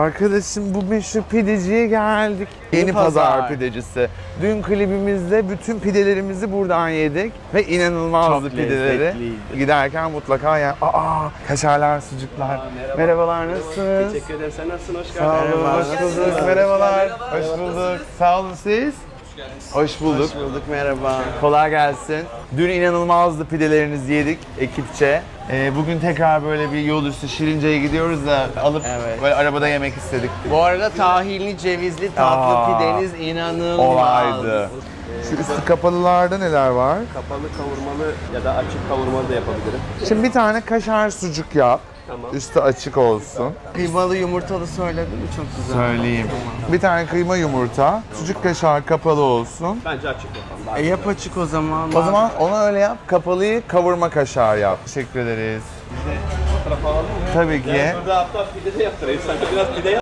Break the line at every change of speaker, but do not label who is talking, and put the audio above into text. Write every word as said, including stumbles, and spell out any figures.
Arkadaşım bu meşhur pideciye geldik. Yeni, Yeni pazar. pazar pidecisi. Dün klibimizde bütün pidelerimizi buradan yedik ve inanılmazdı çok pideleri. Lezzetliydi. Giderken mutlaka yani aa kaşarlar, sucuklar. Aa, merhaba. Merhabalar, nasılsınız?
Teşekkür ederim. Sen nasılsın? Hoş geldin.
Sağ olun, hoş bulduk. Merhabalar. Hoş bulduk. Sağ olun siz. Hoş bulduk.
Hoş bulduk, merhaba.
Kolay gelsin. Dün inanılmazdı pidelerinizi yedik ekipçe. Ee, bugün tekrar böyle bir yol üstü Şirince'ye gidiyoruz da alıp evet. böyle arabada yemek istedik.
Bu arada tahinli, cevizli tatlı Aa, pideniz inanılmaz.
Olaydı. Şu üstü kapalılarda neler var?
Kapalı kavurmalı ya da açık kavurmalı da yapabilirim.
Şimdi bir tane kaşar sucuk yap. Tamam. Üstü açık olsun.
Kıymalı yumurtalı söyledin mi? Çok güzel.
Söyleyeyim. Bir tane kıyma yumurta, sucuk kaşar kapalı olsun.
Bence açık yapalım. E yap açık o zaman.
O zaman onu öyle yap. Kapalıyı kavurma kaşar yap. Teşekkür ederiz.
Biz de fotoğraf alalım mı?
Tabii ki.
Ben burada hatta pide de yaptırayım. Sen de biraz pide yap.